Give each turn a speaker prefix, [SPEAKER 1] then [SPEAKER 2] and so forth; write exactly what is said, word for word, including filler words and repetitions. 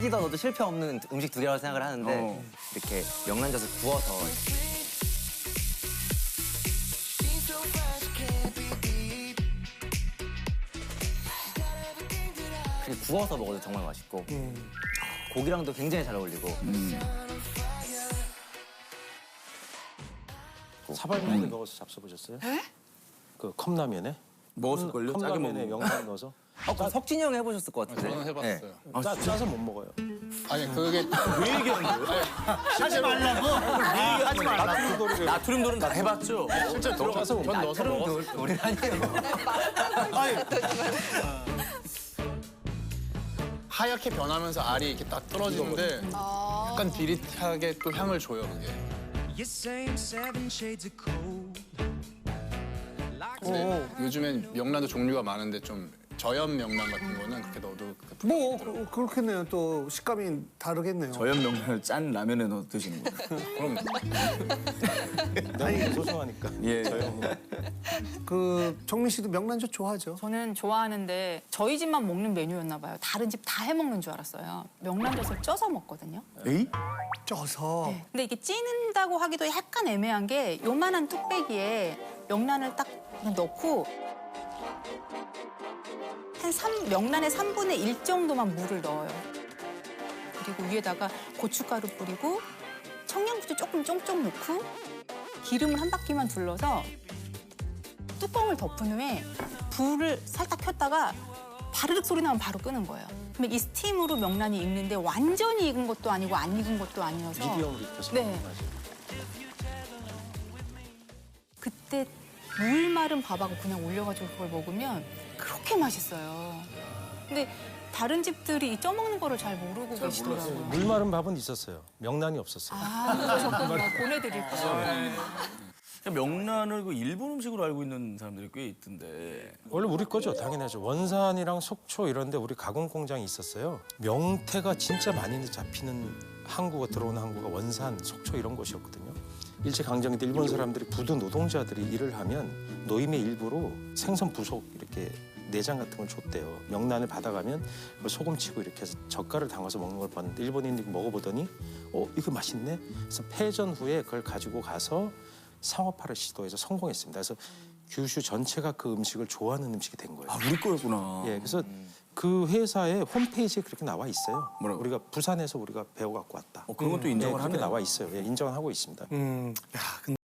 [SPEAKER 1] 어디다 넣어도 실패 없는 음식 두 개라고 생각을 하는데
[SPEAKER 2] 어.
[SPEAKER 1] 이렇게 명란젓을 구워서 그냥 구워서 먹어도 정말 맛있고
[SPEAKER 3] 음.
[SPEAKER 1] 고기랑도 굉장히 잘 어울리고
[SPEAKER 2] 음.
[SPEAKER 3] 사발면에 넣어서 잡숴보셨어요? 그 컵라면에?
[SPEAKER 2] 먹었을걸요? 짜게
[SPEAKER 3] 컵라면에
[SPEAKER 2] 먹는 거.
[SPEAKER 3] 명란 넣어서?
[SPEAKER 1] 어, 그럼 석진이 형이 해보셨을 것 같은데.
[SPEAKER 4] 저는 해봤어요.
[SPEAKER 1] 네.
[SPEAKER 3] 짜, 짜서 못 먹어요.
[SPEAKER 4] 아니 그게
[SPEAKER 2] 왜 얘기하는 거예요?
[SPEAKER 3] 하지 말라고? 하지 말라고.
[SPEAKER 2] 나트륨 돌은 다 해봤죠?
[SPEAKER 4] 실제 들어가서 전 넣어서 먹었어요.
[SPEAKER 1] 우리 아니에요.
[SPEAKER 4] 하얗게 변하면서 알이 이렇게 딱 떨어지는데 약간 비릿하게 또 향을 줘요 그게.
[SPEAKER 5] You same seven shades of cold.
[SPEAKER 4] 근데 요즘엔 명란도 종류가 많은데 좀 저염 명란 같은 거는 그렇게 넣어도
[SPEAKER 6] 뭐 그- 그렇겠네요. 또 식감이 다르겠네요.
[SPEAKER 2] 저염 명란을 짠 라면에 넣어 드시는 거예요?
[SPEAKER 4] 그럼
[SPEAKER 3] 아니 소중하니까.
[SPEAKER 2] 예.
[SPEAKER 6] 그 정민 씨도 명란젓 좋아하죠?
[SPEAKER 7] 저는 좋아하는데 저희 집만 먹는 메뉴였나 봐요. 다른 집 다 해먹는 줄 알았어요. 명란젓을 쪄서 먹거든요.
[SPEAKER 2] 에이?
[SPEAKER 6] 쪄서.
[SPEAKER 7] 네. 근데 이게 찌는다고 하기도 약간 애매한 게 요만한 뚝배기에 명란을 딱 그냥 넣고 한 삼, 명란의 삼분의 일 정도만 물을 넣어요. 그리고 위에다가 고춧가루 뿌리고 청양고추 조금 쫑쫑 넣고 기름을 한 바퀴만 둘러서 뚜껑을 덮은 후에 불을 살짝 켰다가 바르륵 소리 나면 바로 끄는 거예요. 그러면 이 스팀으로 명란이 익는데 완전히 익은 것도 아니고 안 익은 것도 아니어서
[SPEAKER 3] 미디엄으로 익혀서
[SPEAKER 7] 네.
[SPEAKER 3] 먹는 맛이에요.
[SPEAKER 7] 그때 물 마른 밥하고 그냥 올려가지고 그걸 먹으면 그렇게 맛있어요. 근데 다른 집들이 이 쪄먹는 거를 잘 모르고 계시더라고요.
[SPEAKER 3] 물 마른 밥은 있었어요. 명란이 없었어요.
[SPEAKER 7] 아, 그러셨군요. 보내드릴게요.
[SPEAKER 2] 명란을 그 일본 음식으로 알고 있는 사람들이 꽤 있던데.
[SPEAKER 3] 원래 우리 거죠, 당연하죠. 원산이랑 속초 이런 데 우리 가공 공장이 있었어요. 명태가 진짜 많이 잡히는 항구가 들어오는 항구가 원산, 속초 이런 곳이었거든요. 일제강점기 때 일본 사람들이 부두 노동자들이 일을 하면 노임의 일부로 생선 부속 이렇게 내장 같은 걸 줬대요. 명란을 받아가면 그걸 소금치고 이렇게 해서 젓갈을 담가서 먹는 걸 봤는데 일본인들이 먹어보더니 어, 이거 맛있네? 그래서 패전 후에 그걸 가지고 가서 상업화를 시도해서 성공했습니다. 그래서 규슈 전체가 그 음식을 좋아하는 음식이 된 거예요.
[SPEAKER 2] 아, 우리 거였구나.
[SPEAKER 3] 예, 그래서 그 회사의 홈페이지에 그렇게 나와 있어요.
[SPEAKER 2] 뭐라고?
[SPEAKER 3] 우리가 부산에서 우리가 배워갖고 왔다.
[SPEAKER 2] 어, 그런 것도
[SPEAKER 3] 예,
[SPEAKER 2] 인정을
[SPEAKER 3] 그렇게
[SPEAKER 2] 하네요.
[SPEAKER 3] 나와 있어요. 예, 인정하고 있습니다.
[SPEAKER 6] 음. 야, 근데